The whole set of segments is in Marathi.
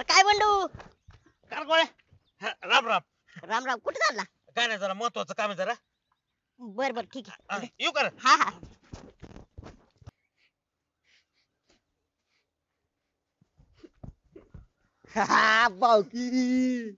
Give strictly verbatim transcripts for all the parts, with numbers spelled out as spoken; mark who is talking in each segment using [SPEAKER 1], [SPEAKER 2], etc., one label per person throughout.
[SPEAKER 1] काय बंडू?
[SPEAKER 2] काय गोळ्या हा, राम राम.
[SPEAKER 1] राम राम, कुठे चालला?
[SPEAKER 2] काय नाही जरा महत्वाचं काम आहे जरा.
[SPEAKER 1] बर बर ठीक
[SPEAKER 2] हा,
[SPEAKER 1] आहे.
[SPEAKER 2] येऊ कर.
[SPEAKER 1] हा हा.
[SPEAKER 3] हा बावकी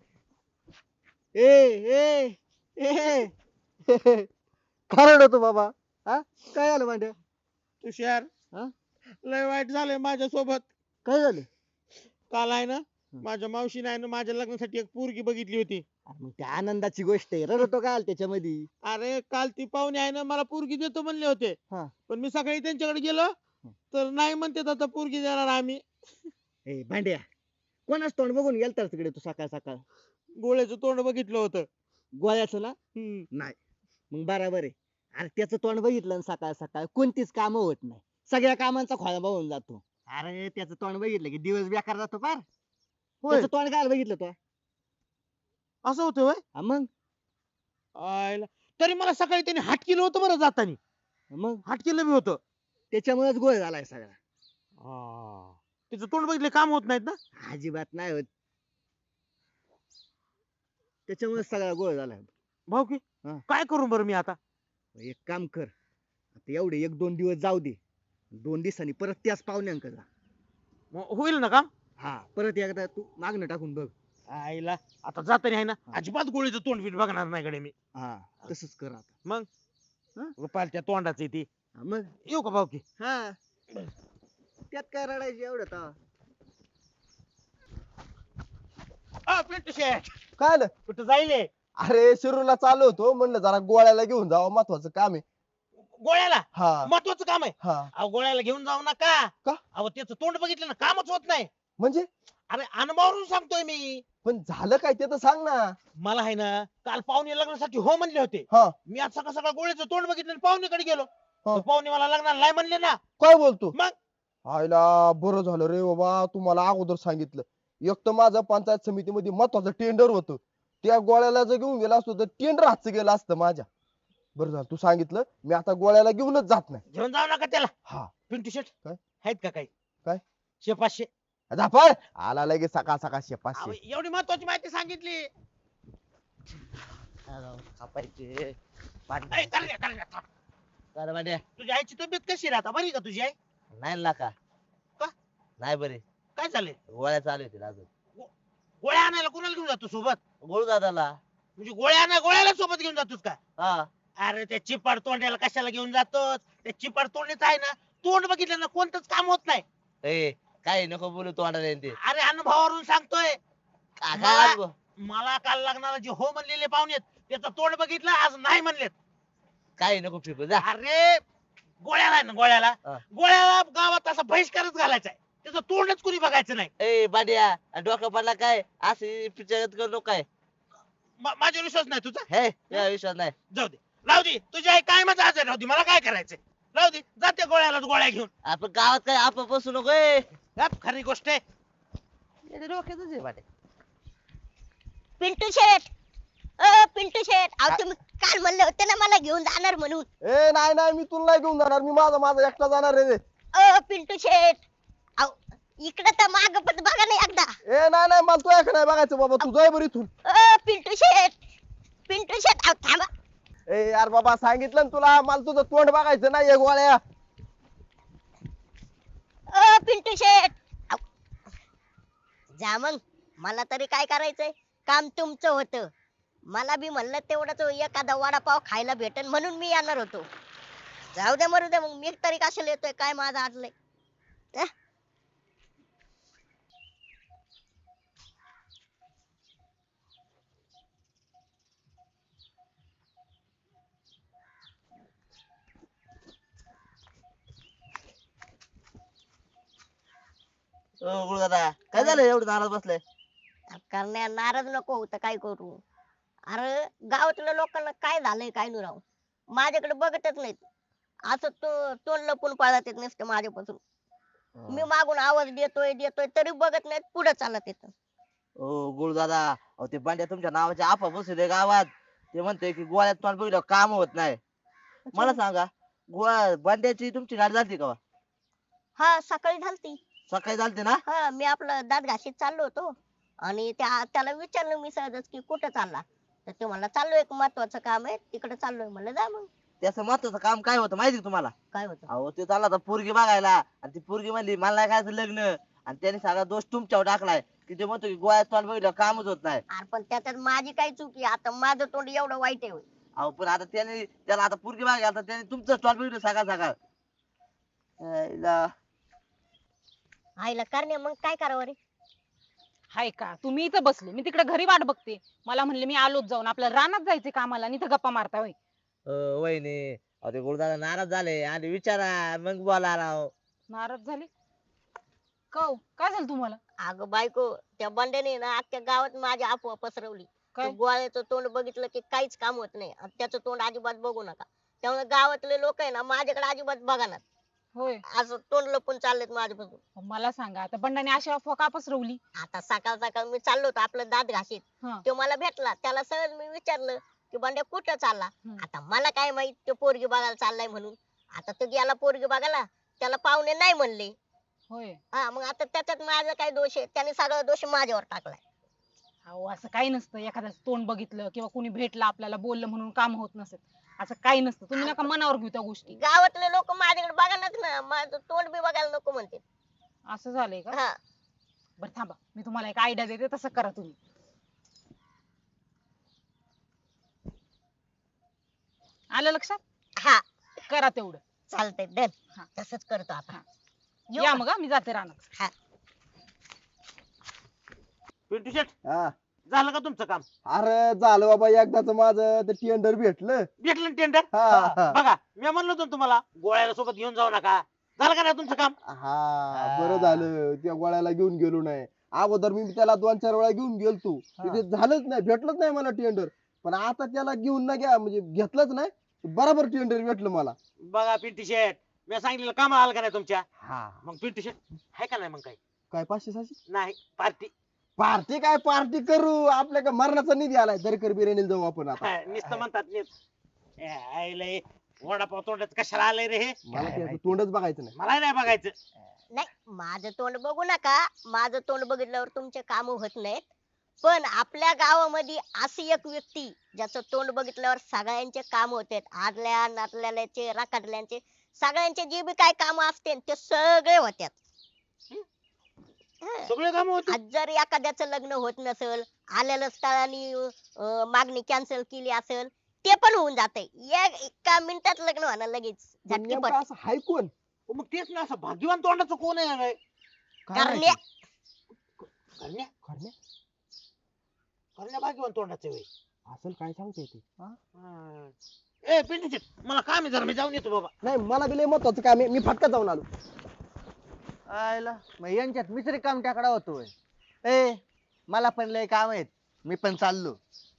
[SPEAKER 3] ए ए ए काय रडतो बाबा? हा काय झालं मांड्या?
[SPEAKER 4] तुषार
[SPEAKER 3] हा?
[SPEAKER 4] लय वाईट झालंय माझ्या सोबत.
[SPEAKER 3] काय झालं?
[SPEAKER 4] काल आहे ना माझ्या मावशीने आहे ना माझ्या लग्नासाठी एक पोरगी बघितली होती.
[SPEAKER 3] अरे मग त्या आनंदाची गोष्ट आहे, रडतो काय त्याच्यामध्ये?
[SPEAKER 4] अरे काल ती पाहुणे आहे ना मला पोरगी देतो म्हणले होते.
[SPEAKER 3] हा.
[SPEAKER 4] पण मी सकाळी त्यांच्याकडे गेलो तर नाही म्हणते आता पोरगी देणार आम्ही.
[SPEAKER 3] ए भांड्या, कोणाच तोंड बघून गेलता तिकडे तू सकाळ सकाळ?
[SPEAKER 4] गोळ्याचं तोंड बघितलं होतं.
[SPEAKER 3] गोळ्याचं ना?
[SPEAKER 4] हम्म.
[SPEAKER 3] नाही मग बराबर आहे. अरे त्याचं तोंड बघितलं ना सकाळ सकाळ कोणतीच कामं होत नाही, सगळ्या कामांचा खोळंबा होऊन जातो. अरे त्याचं तोंड बघितलं की दिवस बेकार जातो पार.
[SPEAKER 4] होय
[SPEAKER 3] त्याचं तोंड काय बघितलं तो?
[SPEAKER 4] असं होतं होय.
[SPEAKER 3] हा मग
[SPEAKER 4] आयला तरी मला सकाळी त्यांनी हाट केलं होतं बरं जातानी.
[SPEAKER 3] मग
[SPEAKER 4] हाट केलं बी होतं.
[SPEAKER 3] त्याच्यामुळेच गोळ झालाय सगळा.
[SPEAKER 4] हा. तिचं तोंड बघितले काम होत नाहीत ना.
[SPEAKER 3] अजिबात नाही होत, त्याच्यामुळे सगळा गोळ झालाय.
[SPEAKER 4] भाऊ की
[SPEAKER 3] हा.
[SPEAKER 4] काय करू बरं मी आता?
[SPEAKER 3] एक काम कर, आता एवढे एक दोन दिवस जाऊ दे, दोन दिवसांनी परत त्याच पाहुण्यांक जा.
[SPEAKER 4] मग होईल ना काम?
[SPEAKER 3] हा परत एकदा तू मागणं टाकून बघ.
[SPEAKER 4] आईला आता जातानी आहे ना
[SPEAKER 3] हा.
[SPEAKER 4] अजिबात गोळीचं तोंड बीट बघणार नाही कडे मी.
[SPEAKER 3] हा तसंच कर आता.
[SPEAKER 4] मग
[SPEAKER 3] हा?
[SPEAKER 4] पालत्या तोंडाची ती.
[SPEAKER 3] हा, मग
[SPEAKER 4] येऊ का भाऊ की?
[SPEAKER 3] हा त्यात काय रडायची एवढं तर.
[SPEAKER 4] अ, पिंटू शेठ
[SPEAKER 5] काय आलं?
[SPEAKER 4] कुठं जाईल?
[SPEAKER 5] अरे शिरूरला चालू होतो, म्हणलं जरा गोळ्याला घेऊन जावं, महत्वाचं काम आहे.
[SPEAKER 4] गोळ्याला
[SPEAKER 5] हा
[SPEAKER 4] महत्वाचं काम आहे.
[SPEAKER 5] हा
[SPEAKER 4] अहो गोळ्याला घेऊन जाऊ नका.
[SPEAKER 5] का?
[SPEAKER 4] अहो त्याचं तोंड बघितलं ना कामच होत नाही.
[SPEAKER 5] म्हणजे
[SPEAKER 4] अरे अनुभवावरून सांगतोय मी.
[SPEAKER 5] पण झालं काय ते तर सांग ना.
[SPEAKER 4] मला आहे ना काल पाहुणे लग्नासाठी हो म्हणले होते.
[SPEAKER 5] हा
[SPEAKER 4] मी आज सकाळ सकाळ गोळ्याचं तोंड बघितलं आणि पाहुणेकडे गेलो.
[SPEAKER 5] हा.
[SPEAKER 4] तर पाहुणे मला लग्नाला नाही म्हणले ना.
[SPEAKER 5] काय बोलतो?
[SPEAKER 4] मग
[SPEAKER 5] आयला बरं झालं रे बाबा, तुम्हाला अगोदर सांगितलं. एक तर माझं पंचायत समितीमध्ये महत्वाचं टेंडर होतं, त्या गोळ्याला जर घेऊन गेला असतो तर टेंडर हातचं गेलं असतं माझ्या. बरं झालं तू सांगितलं, मी आता गोळ्याला घेऊनच जात नाही.
[SPEAKER 4] घेऊन जाऊ नका त्याला.
[SPEAKER 5] हा
[SPEAKER 4] पिंटू शेठ
[SPEAKER 5] काय?
[SPEAKER 4] आहेत का काही?
[SPEAKER 5] काय?
[SPEAKER 4] शे पाचशे.
[SPEAKER 5] झापार आला लगेच सकाळ सकाळ शे
[SPEAKER 4] अहो,
[SPEAKER 5] पाचशे.
[SPEAKER 4] एवढी महत्वाची माहिती सांगितली.
[SPEAKER 3] कापायचे
[SPEAKER 4] ऐ, कर घ्या, कर घ्या, कर.
[SPEAKER 3] काय भांड्या?
[SPEAKER 4] तुझ्या आईची तब्येत कशी राहता? बरी का तुझी आई?
[SPEAKER 3] नाही ना का?
[SPEAKER 4] का?
[SPEAKER 3] नाही बरे,
[SPEAKER 4] काय चाललंय?
[SPEAKER 3] गोळ्या चालू होतील अजून.
[SPEAKER 4] गोळ्या आणायला कोणाला घेऊन जातो सोबत?
[SPEAKER 3] गोळू दादाला.
[SPEAKER 4] म्हणजे गोळ्या आणाय गोळ्याला सोबत घेऊन जातोस का?
[SPEAKER 3] हा
[SPEAKER 4] अरे त्या चिपाड तोंड्याला कशाला घेऊन जातोस? त्या चिपाड तोंडीच आहे ना, तोंड बघितलं ना कोणतंच काम होत नाही.
[SPEAKER 3] ए काय नको बोलू तोंडाला ते.
[SPEAKER 4] अरे अनुभवावरून सांगतोय.
[SPEAKER 3] काय
[SPEAKER 4] मला-
[SPEAKER 3] अनुभव?
[SPEAKER 4] मला काल लग्नाला जे हो म्हणलेले पाहुणे त्याचं तोंड बघितलं, आज नाही म्हणलेत.
[SPEAKER 3] काय नको फिकू जा.
[SPEAKER 4] अरे गोळ्याला आहे ना गोळ्याला
[SPEAKER 3] हा.
[SPEAKER 4] गोळ्याला गावात असा बहिष्कारच घालायचा आहे. त्याचं तोंडच कुणी बघायचं नाही.
[SPEAKER 3] ए बांड्या, डोकं पडला काय? असे पिक्चर करू काय?
[SPEAKER 4] मा- माझ्यावर विश्वास नाही तुझा?
[SPEAKER 3] हे या विश्वास नाही.
[SPEAKER 4] जाऊ दे, राहू दे. तुझी आई काय माझा आजार राहू दे, मला काय करायचंय? राहू दे, जाते गोळ्यालाच गोळ्या घेऊन.
[SPEAKER 3] आपण गावात काय आपण बसू नको. ए
[SPEAKER 4] यात खरी गोष्ट आहे.
[SPEAKER 3] डोक्यातच आहे बांड्या.
[SPEAKER 1] पिंटू शेठ, अ पिंटू शेठ, अहो तुम्ही काल म्हणले होते ना मला घेऊन जाणार म्हणून.
[SPEAKER 5] ए नाही नाही, मी तुला नाही घेऊन जाणार, मी माझा माझा एकटा जाणार रे.
[SPEAKER 1] अ पिंटू शेठ, अहो इकडे तर माग पण बघा ना एकदा.
[SPEAKER 5] ए नाही नाही, मला तू ऐक नाही बघायचं बाबा, तू जाय बरं इथून.
[SPEAKER 1] अ पिंटू शेठ, पिंटू शेठ, अहो थांबा.
[SPEAKER 5] ए यार बाबा सांगितलं ना तुला, मला तुझं तोंड बघायचं नाही गोळ्या.
[SPEAKER 1] अ पिंटू शेठ, अहो. जा मग, मला तरी काय करायचंय? काम तुमचं होतं. मला बी म्हणलं तेवढंच एखादा वडापाव खायला भेटेल म्हणून मी येणार होतो. जाऊ दे मरू दे, मग मी तरी कशाला येतोय? काय माझं आडलंय? अं?
[SPEAKER 3] ओ गुळू दादा, काय झालं एवढं नाराज बसलाय?
[SPEAKER 1] करण्या नाराज नको होतं, काय करू? अरे गावातल्या लोकांना काय झालंय काय नाही राव, माझ्याकडे बघतच नाहीत. असं तो तोंड लपून पळत येत नसतं माझ्यापासून. मी मागून आवाज देतोय देतोय तरी बघत नाहीत, पुढे चालत येत.
[SPEAKER 3] ओ गुळू दादा, अहो ते बांड्या तुमच्या नावाचे आपा बसले गावात. ते म्हणते की गोळ्यात तोंड बघितलं काम होत नाही. मला सांगा, गोळ्या बांड्याची तुमची गाडी जाते का?
[SPEAKER 1] हा सकाळी झालती.
[SPEAKER 3] सकाळी चालते ना?
[SPEAKER 1] हा मी आपलं दात घाशीत चाललो होतो आणि त्या त्याला विचारलं मी सहजच की कुठं चालला, तर ते म्हणला चाललो एक महत्वाचं काम आहे तिकडे चाललोय. म्हणलं जा मग.
[SPEAKER 3] त्याचं महत्वाचं काम काय होतं माहिती का तुम्हाला?
[SPEAKER 1] काय होतं?
[SPEAKER 3] अहो ते चालला होता पोरगी बघायला आणि ती पोरगी म्हणली मला नाही करायचं लग्न आणि त्याने सगळा दोष तुमच्यावर टाकलाय की ते म्हणतो की गोळ्यात तोंड बघितलं कामच होत नाही.
[SPEAKER 1] अरे पण त्याच्यात माझी काय चुकी आहे? आता माझं तोंड एवढं वाईट आहे होय?
[SPEAKER 3] अहो पण आता त्याने त्याला आता पोरगी बघायला तर त्याने तुमचं तोंड बघितलं सकाळ सकाळ. आईला.
[SPEAKER 1] आईला करणे मग काय करावं रे?
[SPEAKER 6] हाय का तुम्ही इथं बसले मी तिकडे घरी वाट बघते. मला म्हणले मी आलोच जाऊन आपल्या रानात जायचे कामाला आणि इथं गप्पा मारता होय.
[SPEAKER 3] अ, वहिनी अहो ते गुरुदादा नाराज झाले आणि विचारा मग बोला राव.
[SPEAKER 6] नाराज झाले कौ काय झालं तुम्हाला?
[SPEAKER 1] अगं बायको, त्या बंड्याने ना अख्ख्या गावात माझी अफवा पसरवली.
[SPEAKER 6] काय?
[SPEAKER 1] तो गोळ्याचं तोंड बघितलं की काहीच काम होत नाही आणि त्याचं तोंड अजिबात बघू नका. त्यामुळे गावातले लोक आहे ना माझ्याकडे अजिबात बघणार.
[SPEAKER 6] होय
[SPEAKER 1] असं तोंड लपून चाललेत माझ्यापासून.
[SPEAKER 6] मला सांगा आता बंडाने अशी अफवा का पसरवली?
[SPEAKER 1] आता सकाळ सकाळ मी चाललो होतो आपलं दात घाशीत.
[SPEAKER 6] हा.
[SPEAKER 1] तो मला भेटला. त्याला सहज मी विचारलं की बंड्या कुठं चालला?
[SPEAKER 6] हम्म.
[SPEAKER 1] आता मला काय माहित तो पोरगी बघायला चाललाय म्हणून. आता तो गेला पोरगी बघायला, त्याला पाहुणे नाही म्हणले.
[SPEAKER 6] होय
[SPEAKER 1] हा मग आता त्याच्यात माझा काय दोष आहे? त्याने सगळा दोष माझ्यावर टाकलाय.
[SPEAKER 6] अहो असं काही नसतं एखाद्याचं तोंड बघितलं किंवा कोणी भेटलं आपल्याला बोललं म्हणून काम होत नसेल असं काही नसतं. तुम्ही नका मनावर घेऊ त्या गोष्टी.
[SPEAKER 1] गावातले लोक माझ्याकडे बघानाच ना, माझं तोंड बी बघायला नको म्हणते.
[SPEAKER 6] असं झालंय का?
[SPEAKER 1] हा
[SPEAKER 6] बरं थांबा मी तुम्हाला एक आयडिया देते तसं करा तुम्ही. आलं लक्षात?
[SPEAKER 1] हा
[SPEAKER 6] करा तेवढं.
[SPEAKER 1] चालतंय डन.
[SPEAKER 6] हा.
[SPEAKER 1] तसंच करतो आपण.
[SPEAKER 6] हा.
[SPEAKER 1] येऊ
[SPEAKER 6] या
[SPEAKER 1] का?
[SPEAKER 6] मग हा, मी जाते रानात.
[SPEAKER 1] हा.
[SPEAKER 2] पिंटू शेट
[SPEAKER 5] हा
[SPEAKER 2] झालं का तुमचं काम?
[SPEAKER 5] अरे झालं बाबा एकदाच माझं ते टेंडर भेटलं.
[SPEAKER 2] भेटलं टेंडर?
[SPEAKER 5] हा, हा.
[SPEAKER 2] बघा मी म्हणलो होतो ना तुम्हाला गोळ्याला सोबत घेऊन जाऊ नका. झालं का नाही तुमचं काम?
[SPEAKER 5] हा बरं झालं त्या गोळ्याला घेऊन गेलो नाही. अगोदर मी त्याला दोन चार वेळा घेऊन गेलतो तिथे झालंच नाही, भेटलंच नाही मला टेंडर. पण आता त्याला घेऊन ना घ्या म्हणजे घेतलंच नाही, बरोबर टेंडर भेटलं मला.
[SPEAKER 2] बघा पिंटू शेट मी सांगितलेलं काम आलं का नाही तुमच्या?
[SPEAKER 5] हा
[SPEAKER 2] मग पिंटू शेट आहे का नाही मग काही?
[SPEAKER 5] काय पाचशे सहाशे
[SPEAKER 2] नाही पार्टी.
[SPEAKER 5] पार्टी काय पार्टी करू, आपल्या काय मरणाचा निधी आलाय दरकर बिर्याणीला जाऊ आपण आता.
[SPEAKER 2] नुसतं म्हणतात नीट. ए, आईला हे वडापाव तोंडात कशाला आलंय रे हे?
[SPEAKER 5] मला त्याचं तोंडच बघायचं नाही.
[SPEAKER 2] मला नाही बघायचं.
[SPEAKER 1] नाही माझं तोंड बघू नका. माझं तोंड बघितल्यावर तुमचे काम होत नाहीत. पण आपल्या गावामध्ये अशी एक व्यक्ती ज्याचं तोंड बघितल्यावर सगळ्यांचे काम होते. आदल्या नातल्याचे राखाडल्यांचे सगळ्यांचे जे बी काय काम असते ते सगळे होत्यात. हं.
[SPEAKER 2] सगळे काम होते.
[SPEAKER 1] आज जर एखाद्याचं लग्न होत नसेल, आलेल्या स्थळाने अं, मागणी कॅन्सल केली असेल, ते पण होऊन जाते. एका मिनिटात लग्न होणार लगेच
[SPEAKER 5] पण
[SPEAKER 1] झटकीपट.
[SPEAKER 5] नेमकं असं हाय कोण?
[SPEAKER 2] मग तेच ना असं भाग्यवान तोंडाचं कोण आहे रे?
[SPEAKER 5] काय
[SPEAKER 1] करण्या.
[SPEAKER 5] माहिती?
[SPEAKER 2] करण्या
[SPEAKER 5] करण्या?
[SPEAKER 2] करण्या भाग्यवान तोंडाचं वे.
[SPEAKER 5] असेल काय सांगते ते.
[SPEAKER 2] ए पिंटू शेट मला काम आहे जरा मी जाऊन येतो बाबा.
[SPEAKER 5] नाही मला बी लय महत्वाचं काम आहे, मी फटका जाऊन आलो.
[SPEAKER 3] आयला मग यांच्यात मिसरी काम टाकडा होतोय. ए मला पण लय काम आहेत, मी पण चाललो.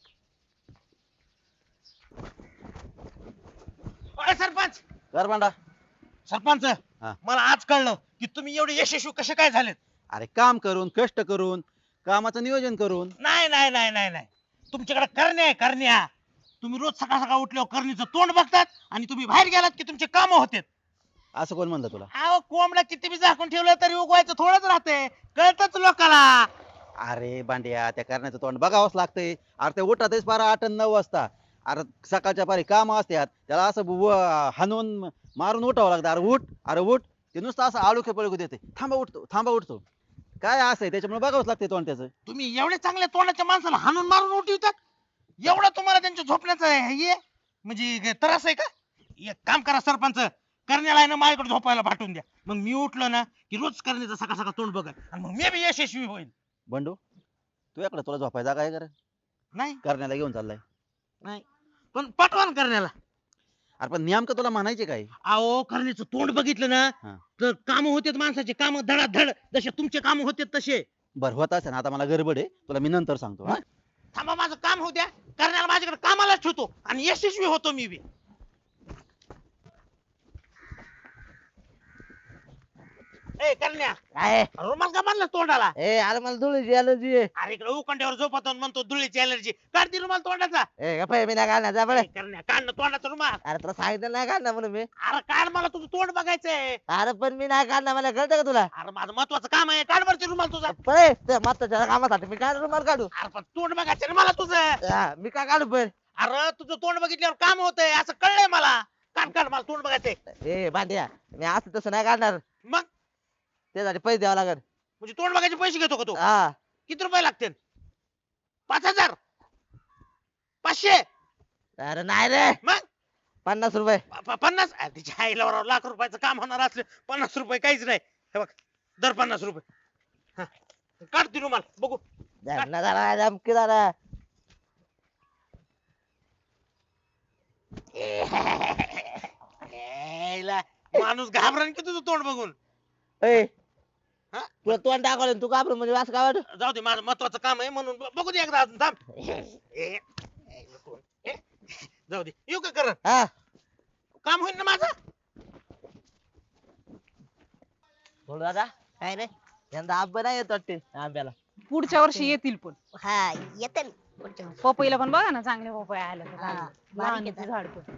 [SPEAKER 2] अरे सरपंच
[SPEAKER 3] गरबांडा.
[SPEAKER 2] सरपंच
[SPEAKER 7] हा.
[SPEAKER 2] मला आज कळलं की तुम्ही एवढे यशस्वी कसे काय झालेत.
[SPEAKER 7] अरे काम करून कष्ट करून कामाचं नियोजन करून.
[SPEAKER 2] नाही नाही नाही नाही नाही तुमच्याकडे करण्या आहे करण्या. तुम्ही रोज सकाळ सकाळ उठल्यावर करणीचं तोंड बघतात आणि तुम्ही बाहेर गेलात की तुमचे काम होते.
[SPEAKER 7] असं कोण म्हणलं तुला?
[SPEAKER 2] अहो कोंबडा किती बी झाकून ठेवलं तरी उगवायचं थोडंच राहते. कळतच लोकाला.
[SPEAKER 7] अरे बांड्या त्या करण्याचं तोंड बघावंच लागतंय. अरे ते उठातच पारा आठ आणि नऊ वाजता. अरे सकाळच्या पारी काम असतात त्याला असं व- हाणून मारून उठावं लागतं. अरे उठ अरे उठ ते नुसतं असं आळुखे पळकू देते. थांबा उठतो थांबा उठतो काय असं आहे त्याच्यामुळे बघावंच लागतंय तोंड त्याचं.
[SPEAKER 2] तुम्ही एवढे चांगल्या तोंडाच्या माणसाला हाणून मारून उठवतात. एवढं तुम्हाला त्यांच्या झोपण्याचं हे आहे? म्हणजे काय त्रास आहे का? एक काम करा सरपंच करण्याला आहे ना माझ्याकडे झोपायला पाठवून द्या. मग मी उठलो ना की रोज करण्याचं सकाळ सकाळ तोंड बघा आणि मग मी बी यशस्वी होईल.
[SPEAKER 7] बंडू तू इकडे तुला झोपायचा काय कर
[SPEAKER 2] नाही
[SPEAKER 7] करण्याला घेऊन चाललाय.
[SPEAKER 2] नाही पण पाठवान करण्याला.
[SPEAKER 7] अरे पण नेमकं तुला म्हणायचे काय?
[SPEAKER 2] अहो करण्याचं तोंड बघितलं ना
[SPEAKER 7] हा.
[SPEAKER 2] तर काम होतेत माणसाचे काम धडाधड जसे तुमचे काम होते तसे.
[SPEAKER 7] बरं होत असेल आता मला गडबड आहे तुला मी नंतर सांगतो. हा?
[SPEAKER 2] थांबा माझं काम होऊ द्या. करण्याला माझ्याकडे कामालाच ठेवतो आणि यशस्वी होतो मी बी.
[SPEAKER 4] ए करण्या
[SPEAKER 3] काय
[SPEAKER 4] रुमाल का बांधला तोंडाला
[SPEAKER 3] ए अरे मला धुळीची अलर्जी आहे
[SPEAKER 4] अरे इकडे उकंड्यावर झोपतो आणि म्हणतो धुळीची अलर्जी काढ ती रुमाल तोंडाचा
[SPEAKER 3] ए गप्पा मी नाही काढणार जा बरं
[SPEAKER 4] ए, करण्या काढ ना तोंडाचा रुमाल
[SPEAKER 3] अरे तुला सांगितलं नाही काढणार म्हणून मी
[SPEAKER 4] अरे काढ मला तुझं तोंड बघायचंय
[SPEAKER 3] अरे पण मी नाही काढणार मला कळतं का तुला
[SPEAKER 4] अरे माझं महत्वाचं काम आहे काढ बरं ते रुमाल तुझा
[SPEAKER 3] पळे त्या महत्वाच्या कामासाठी मी काय रुमाल काढू
[SPEAKER 4] अरे पण तोंड बघायचं रे मला तुझं
[SPEAKER 3] हा, मी काय काढू पण
[SPEAKER 4] अरे तुझं तोंड बघितल्यावर काम होतंय असं कळलंय मला काढ काढ मला तोंड बघायचंय
[SPEAKER 3] ए भांड्या मी असं तसं नाही काढणार
[SPEAKER 4] मग
[SPEAKER 3] त्यासाठी पैसे द्यावं लागेल
[SPEAKER 4] म्हणजे तोंड बघायचे पैसे घेतो का तू
[SPEAKER 3] हा
[SPEAKER 4] किती रुपये लागतील पाच हजार पाचशे
[SPEAKER 3] अरे नाही रे
[SPEAKER 4] मग
[SPEAKER 3] पन्नास रुपये
[SPEAKER 4] प- प- पन्नास अरे तिच्या आईला बरोबर लाख रुपयाचं काम होणार असलं पन्नास रुपये काहीच नाही हे बघ दर पन्नास रुपये हा. काढ ती रुमाल बघू
[SPEAKER 3] धरणा झाला धमकी झाला
[SPEAKER 4] यायला माणूस घाबरण की तुझं तोंड बघून
[SPEAKER 3] ए
[SPEAKER 4] हा?
[SPEAKER 3] तुला तोंड दाखवलं तू घाबरून म्हणजे असं काय वाटत
[SPEAKER 4] जाऊ दे माझं महत्वाचं काम आहे म्हणून ब- बघू दे एकदा अजून थांब ए, यायला तोंड. ए, जाऊ दे येऊ का करण
[SPEAKER 3] हा
[SPEAKER 4] काम होईल ना माझं
[SPEAKER 3] बोल दादा
[SPEAKER 1] काय रे
[SPEAKER 3] यंदा आंबा नाही येत वाटते आंब्याला
[SPEAKER 6] पुढच्या वर्षी येतील पण
[SPEAKER 1] हा येते ना पुढच्या वर्षी.
[SPEAKER 6] पपईला पण बघा ना चांगले पपई आले तर
[SPEAKER 1] हा,
[SPEAKER 6] चांगले.
[SPEAKER 1] बारीक
[SPEAKER 6] लहान
[SPEAKER 1] आहेत
[SPEAKER 6] आहे ते झाड पण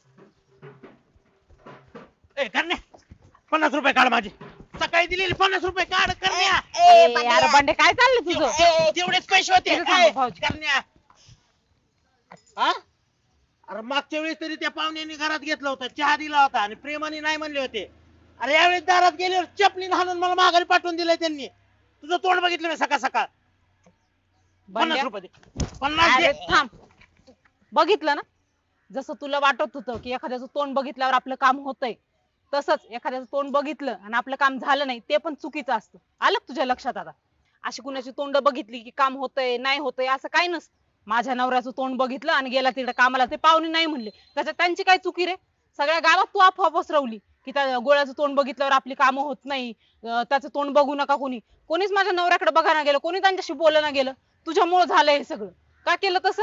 [SPEAKER 4] ए करण्या पन्नास रुपये काढ माझे सकाळी दिलेले पन्नास रुपये काढ करण्या
[SPEAKER 1] ए,
[SPEAKER 6] ए,
[SPEAKER 1] बंड्या.
[SPEAKER 6] अरे बंडे काय चाललंय तुझं
[SPEAKER 1] ए,
[SPEAKER 4] तेवढेच पैसे होते
[SPEAKER 6] इथं थांबा,
[SPEAKER 4] ए,
[SPEAKER 6] भाऊजी.
[SPEAKER 4] करण्या हा अरे मागच्या वेळेस तरी त्या पाहुण्यांनी घरात घेतला होता चहा दिला होता आणि प्रेमाने नाही म्हणले होते अरे यावेळेस दारात गेल्यावर चपलीन हाणून मला माघारी पाठवून दिलंय त्यांनी तुझं तोंड बघितलं मी सकाळ सकाळ पन्नास
[SPEAKER 6] बंड्या,
[SPEAKER 4] रुपये दे. पन्नास
[SPEAKER 6] अरे
[SPEAKER 4] दे.
[SPEAKER 6] थांब बघितलं ना जसं तुला वाटत होतं की एखाद्याचं तोंड बघितल्यावर आपलं काम होतंय तसंच एखाद्याचं तोंड बघितलं आणि आपलं काम झालं नाही ते पण चुकीचं असतं आलं का तुझ्या लक्षात आता अशी कुणाची तोंड बघितली की काम होतंय नाही होतंय असं काही नसतं माझ्या नवऱ्याचं तोंड बघितलं आणि गेला तिकडे कामाला ते पाहुणे नाही म्हणले त्याच्यात त्यांची काय चुकी रे सगळ्या गावात तू अफवा पसरवली की त्या गोळ्याचं तोंड बघितल्यावर आपली कामं होत नाही अं, त्याचं तोंड बघू नका कोणी कोणीच माझ्या नवऱ्याकडे बघायला गेलं कोणी त्यांच्याशी बोलायला गेलं तुझ्यामुळे झालंय हे सगळं का केलं तसं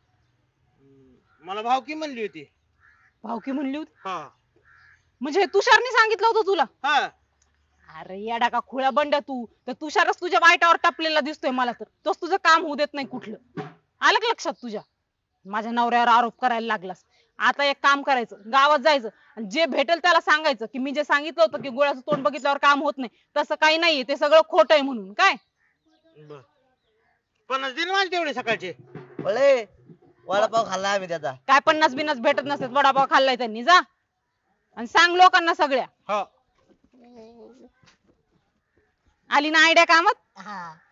[SPEAKER 4] मला भावकी म्हणली होती
[SPEAKER 6] भावकी म्हणली होती
[SPEAKER 4] हा
[SPEAKER 6] म्हणजे हे तुषारने सांगितलं होतं तुला
[SPEAKER 4] हा
[SPEAKER 6] अरे येडा का खुळा बंड्या तू तर तुषारच तुझ्या वाईटावर टपलेला दिसतोय मला तर तोच तुझं काम होऊ देत नाही कुठलं आलं का लक्षात तुझ्या माझ्या नवऱ्यावर आरोप करायला लागलास आता एक काम करायचं गावात जायचं आणि जे भेटेल त्याला सांगायचं की मी जे सांगितलं होतं की गोळ्याचं तोंड बघितल्यावर काम होत नाही तसं काही नाहीये ते सगळं खोटं आहे म्हणून काय
[SPEAKER 4] बर पन्नास दिन माझे तेवढे सकाळचे
[SPEAKER 3] बोले वडापाव खाल्ला आम्ही त्याचा
[SPEAKER 6] काय पन्नास बिन्नास भेटत नसतात वडापाव खाल्लाय त्यांनी जा आणि सांग लोकांना सगळ्या
[SPEAKER 4] हो
[SPEAKER 6] आली ना आयडिया कामात
[SPEAKER 1] हा